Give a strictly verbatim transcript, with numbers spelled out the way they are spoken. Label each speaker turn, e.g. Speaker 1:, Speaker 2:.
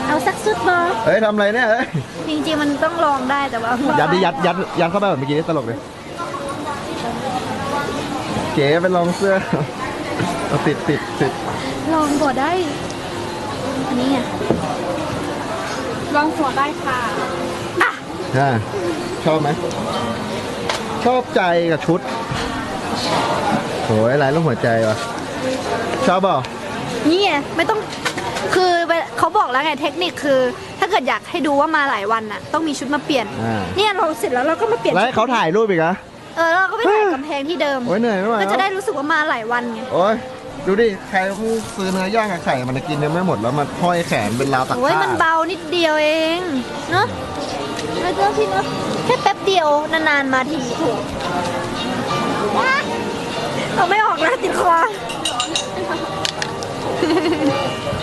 Speaker 1: เอาสักสุดบอ
Speaker 2: เฮ้ยทำอะไรเนี่ยเฮ้ย
Speaker 1: จริงๆมันต้องลองได้แต่ว่า
Speaker 2: ยัดดิยัดยัดยัดเข้าไปแบบเมื่อกี้นี่ตลกเลยเก๋ไปลองเสื้อเอาติดติดติด
Speaker 1: ลองก่อนได้อันนี้ไง
Speaker 3: ลองหัวได้ค่ะ
Speaker 1: อ่ะ
Speaker 2: อ่าชอบไหมชอบใจกับชุดโอ้ยลายรูปหัวใจวะชอบเปล่า
Speaker 1: นี่ไงไม่ต้องคือเขาบอกแล้วไงเทคนิคคือ ถ้าเกิดอยากให้ดูว่ามาหลายวันน่ะต้องมีชุดมาเปลี่ยน
Speaker 2: อ่า
Speaker 1: เนี่ยเราเสร็จแล้วเราก็มาเปลี่ยน
Speaker 2: แล้วให้เขาถ่ายรูปอีกเหรอ
Speaker 1: เออเราก็ไปถ่ายกำแพงที่เดิม
Speaker 2: โอ้ยเหนื่อยไม่ไหว
Speaker 1: ก็
Speaker 2: แล้ว
Speaker 1: จะได้รู้สึกว่ามาหลายวันไง
Speaker 2: โอ้ยดูดิใครเพิ่งซื้อเนื้อย่างกับไข่มันจะกินยังไม่หมดแล้วมันห้อยแขนเป็นราวตัก
Speaker 1: โอ้ย
Speaker 2: ผ้า
Speaker 1: มันเบานิดเดียวเองเนาะแล้วเจ้าพี่เนาะแค่แป๊บเดียวนานๆมาทีเอาไม่ออกแล้วติดคอ